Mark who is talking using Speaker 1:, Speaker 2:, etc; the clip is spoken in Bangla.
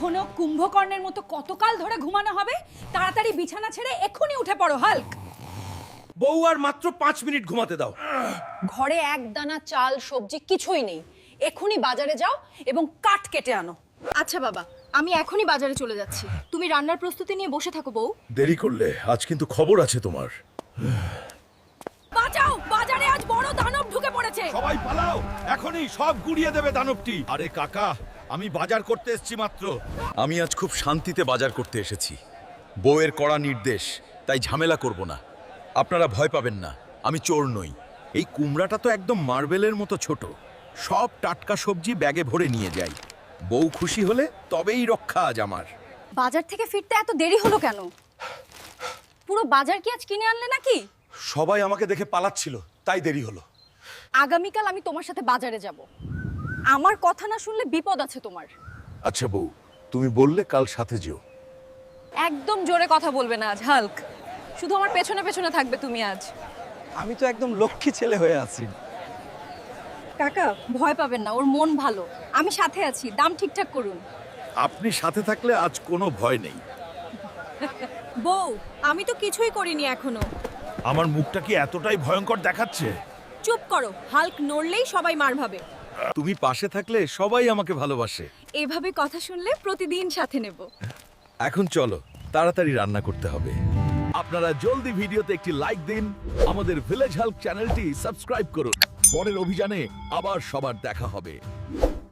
Speaker 1: এখনো কুম্ভকর্ণের মতো কতকাল ধরে ঘুমানো হবে? তাড়াতাড়ি বিছানা ছেড়ে এক্ষুনি উঠে পড়ো হাল্ক।
Speaker 2: বউ আর মাত্র 5 মিনিট ঘুমাতে দাও।
Speaker 1: ঘরে এক দানা চাল সবজি কিছুই নেই, এক্ষুনি বাজারে যাও এবং কাঠ কেটে আনো।
Speaker 3: আচ্ছা বাবা, আমি এখনই বাজারে চলে যাচ্ছি। তুমি রান্নার প্রস্তুতি নিয়ে বসে থাকো বউ।
Speaker 2: দেরি করলে আজ কিন্তু খবর আছে তোমার।
Speaker 1: বাঁচাও, বাজারে আজ বড় দানব ঢুকে পড়েছে।
Speaker 2: সবাই পালাও, এখনই সব গুড়িয়ে দেবে দানবটি। আরে কাকা, আমি বাজার করতে এসেছি মাত্র।
Speaker 4: আমি আজ খুব শান্তিতে বাজার করতে এসেছি। বউয়ের কড়া নির্দেশ, তাই ঝামেলা করব না। আপনারা ভয় পাবেন না, আমি চোর নই। এই কুমড়াটা তো একদম মার্বেলের মতো ছোট। সব টাটকা সবজি ব্যাগে ভরে নিয়ে যাই। বউ খুশি হলে তবেই রক্ষা আজ আমার।
Speaker 3: বাজার থেকে ফিরতে এত দেরি হলো কেন? পুরো বাজার কি আজ কিনে আনলে নাকি?
Speaker 2: সবাই আমাকে দেখে পালাচ্ছিল, তাই দেরি হলো।
Speaker 3: আগামীকাল আমি তোমার সাথে বাজারে যাব। আমার কথা না শুনলে বিপদ আছে তোমার।
Speaker 2: আচ্ছা বউ, তুমি বললে কাল সাথে যেও।
Speaker 3: একদম জোরে কথা বলবে না আজ হাল্ক। শুধু আমার পেছনে পেছনে থাকবে তুমি আজ।
Speaker 5: আমি তো একদম লক্ষ্মী ছেলে হয়ে আছি।
Speaker 3: কাকা ভয় পাবেন না, ওর মন ভালো। আমি সাথে আছি, দাম ঠিকঠাক করুন।
Speaker 2: আপনি সাথে থাকলে আজ কোনো ভয় নেই।
Speaker 3: বউ, আমি তো কিছুই করিনি এখনো।
Speaker 2: আমার মুখটা কি এতটাই ভয়ঙ্কর দেখাচ্ছে?
Speaker 3: চুপ করো, হাল্ক নড়লেই সবাই মার ভাবে।
Speaker 4: তুমি পাশে থাকলে সবাই আমাকে ভালোবাসে।
Speaker 3: এভাবে কথা শুনলে প্রতিদিন সাথে নেব।
Speaker 4: এখন চলো, তাড়াতাড়ি রান্না করতে হবে।
Speaker 2: আপনারা জলদি ভিডিওতে একটি লাইক দিন, আমাদের ভিলেজ হেল্প চ্যানেলটি সাবস্ক্রাইব করুন। পরের অভিযানে আবার সবার দেখা হবে।